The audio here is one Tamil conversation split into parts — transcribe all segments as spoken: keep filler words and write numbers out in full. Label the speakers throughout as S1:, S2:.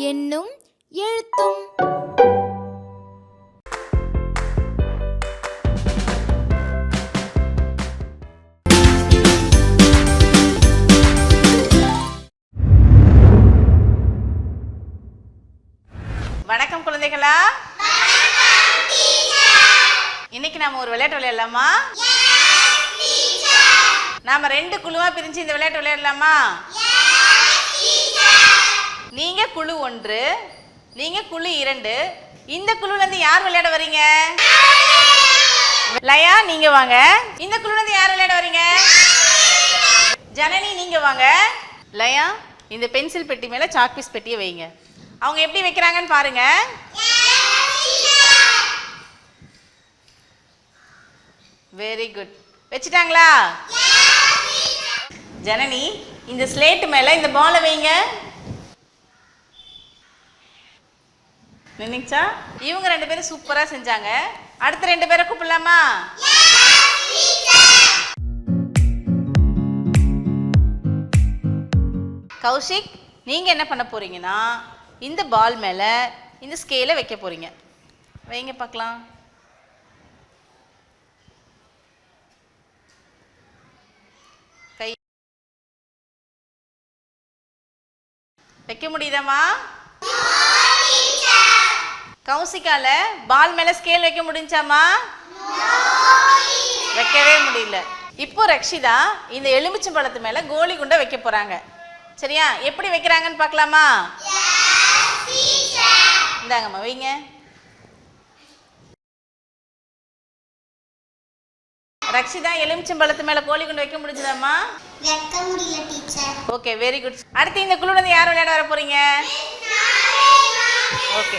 S1: என்னும் எழுத்தும்.
S2: வணக்கம் குழந்தைகளா. இன்னைக்கு நாம ஒரு விளையாட்டு விளையாடலாமா? நாம ரெண்டு குழுவா பிரிஞ்சு இந்த விளையாட்டு விளையாடலாமா? நீங்க குழு ஒன்று, நீங்க குழு இரண்டு. இந்த குழுல இருந்து யார் விளையாட வரீங்க? லயா நீங்க வாங்க. இந்த குழுல இருந்து யார் விளையாட வரீங்க? ஜனனி நீங்க வாங்க. லயா இந்த பென்சில் பெட்டி மேல சாக் பீஸ் பெட்டியை வைங்க. அவங்க எப்படி வைக்கிறாங்கன்னு பாருங்க. Very good. வச்சுட்டாங்களா? ஜனனி இந்த ஸ்லேட் மேல இந்த பாலை வைங்க. நினைச்சா இவங்க ரெண்டு பேரும் சூப்பரா செஞ்சாங்க. அடுத்த ரெண்டு பேரை கூப்பிடலாமா? கௌஷிக் நீங்க என்ன பண்ண போறீங்கன்னா இந்த பால் மேல இந்த ஸ்கேலை வைக்க போறீங்க. வைங்க பார்க்கலாம். கை வைக்க முடியுதாமா? கௌசிகால பால் மேல ஸ்கேல் வைக்க முடிஞ்சாமா? வைக்கவே முடியல. இப்போ ரக்ஷிதா இந்த எலுமிச்சம்பழத்து மேல கோலி குண்டை வைக்க போறாங்க. சரியா? எப்படி வைக்கிறாங்கன்னு பார்க்கலாமா? இந்தாங்கம்மா வைங்க. ரக்ஷிதா எலுமிச்சம்பழத்து மேல கோலி குண்டை வைக்க முடிஞ்சதாமா?
S3: வைக்க முடியல டீச்சர்.
S2: Okay very good. அடுத்து இந்த குழுல இருந்து யார் விளையாட வர போறீங்க? ஓகே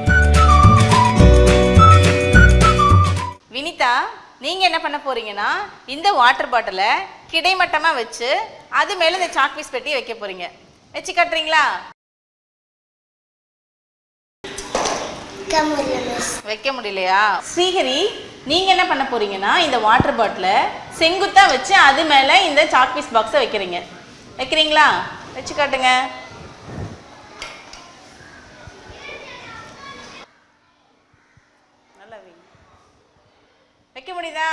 S2: வினிதா நீங்க என்ன பண்ண போறீங்கன்னா இந்த வாட்டர் பாட்டிலை கிடைமட்டமா வச்சு அது மேல இந்த சாக் பீஸ் பெட்டி வைக்க போறீங்க. வச்சு காட்டுறீங்களா? வைக்க முடியலையா? ஸ்ரீஹரி நீங்க என்ன பண்ண போறீங்கன்னா இந்த வாட்டர் பாட்டிலை செங்குத்தா வச்சு அது மேல இந்த சாக் பீஸ் பாக்ஸை வைக்கிறீங்க. வைக்கிறீங்களா? வச்சு காட்டுங்க. வைக்க முடியுதா?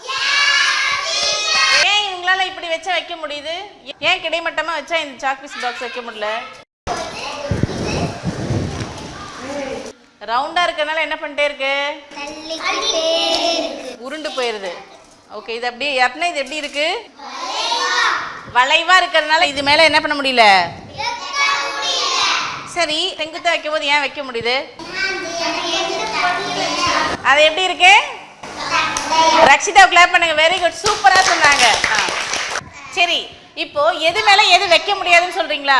S2: ஏன் இவங்களால இப்படி வச்சா வைக்க முடியுது? ஏன் கிடைமட்டமா வச்சா இந்த சாக் பீஸ் பாக்ஸ் வைக்க முடியல? ரவுண்டா இருக்கறனால என்ன பண்ணிட்டே இருக்கு? உருண்டு போயிருது. ஓகே இது அப்படியே எப்பனா இது எப்படி இருக்கு? வளைவா இருக்கறனால இது மேல என்ன பண்ண முடியல? சரி செங்குத்தா வைக்கும் போது ஏன் வைக்க முடியுது? அது எப்படி இருக்கு? ரக்ஷிதா கிளாப் பண்ணுங்க. Very good. சூப்பரா சொன்னாங்க. சரி இப்போ எது மேல எது வைக்க முடியாதுன்னு சொல்றீங்களா?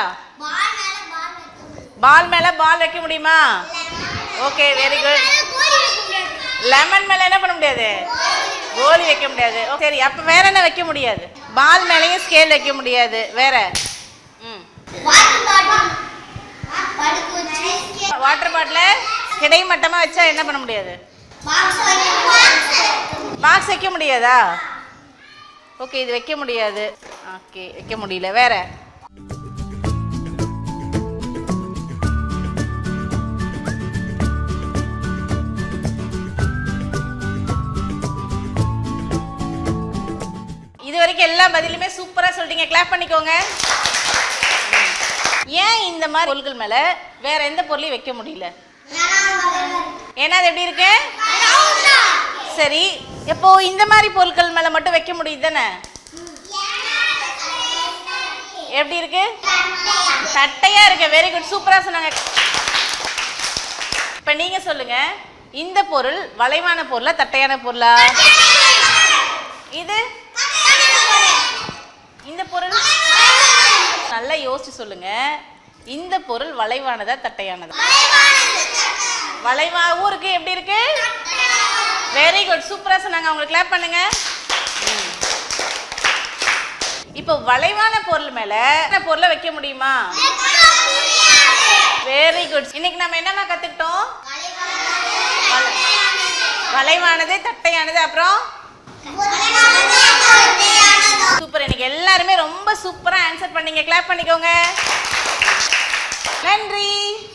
S2: பால் மேல பால் வைக்க முடியுமா? Okay very good. லெமன் மேல என்ன பண்ண முடியாது? கோலி வைக்க முடியாது. சரி அப்ப வேற என்ன வைக்க முடியாது? பால் மேலயும் ஸ்கேல் வைக்க முடியாது. வேற ம் வாட்டர் பாட்டில கிடைமட்டமா வச்சா என்ன பண்ண முடியாது? பாக்ஸ் வைக்க முடியாதா? ஓகே இது வைக்க முடியாது. ஓகே வைக்க முடியல. வேற இது வரைக்கும் எல்லா பதிலுமே சூப்பரா சொல்றீங்க. கிளாப் பண்ணிக்கோங்க. ஏன் இந்த மாதிரி பொருட்கள் மேல வேற எந்த பொருளையும் வைக்க முடியல? ஏன்னா அது எப்படி இருக்கு? சரி இப்போ இந்த மாதிரி பொருட்கள் மேல மட்டும் வைக்க முடியுது தானே? எப்படி இருக்கு? தட்டையா இருக்கு. Very good. சூப்பரா சொன்னாங்க. இப்ப நீங்க சொல்லுங்க இந்த பொருள் வளைவான பொருளா தட்டையான பொருளா? இது இந்த பொருள் நல்லா யோசிச்சு சொல்லுங்க. இந்த பொருள் வளைவானதா தட்டையானதா? வளைவாகவும் இருக்கு. எப்படி இருக்கு? Very good. சூப்பரா சொன்னாங்க. அவங்களுக்கு கிளாப் பண்ணுங்க. இப்போ வளைவான பொருள் மேல பொருளை வைக்க முடியுமா? Very good. இன்னைக்கு நம்ம என்னமா கத்துக்கிட்டோம்? வளைவானது தட்டையானது அப்புறம் சூப்பர். இன்னைக்கு எல்லாருமே ரொம்ப சூப்பரா ஆன்சர் பண்ணீங்க. கிளாப் பண்ணிக்கோங்க. நன்றி.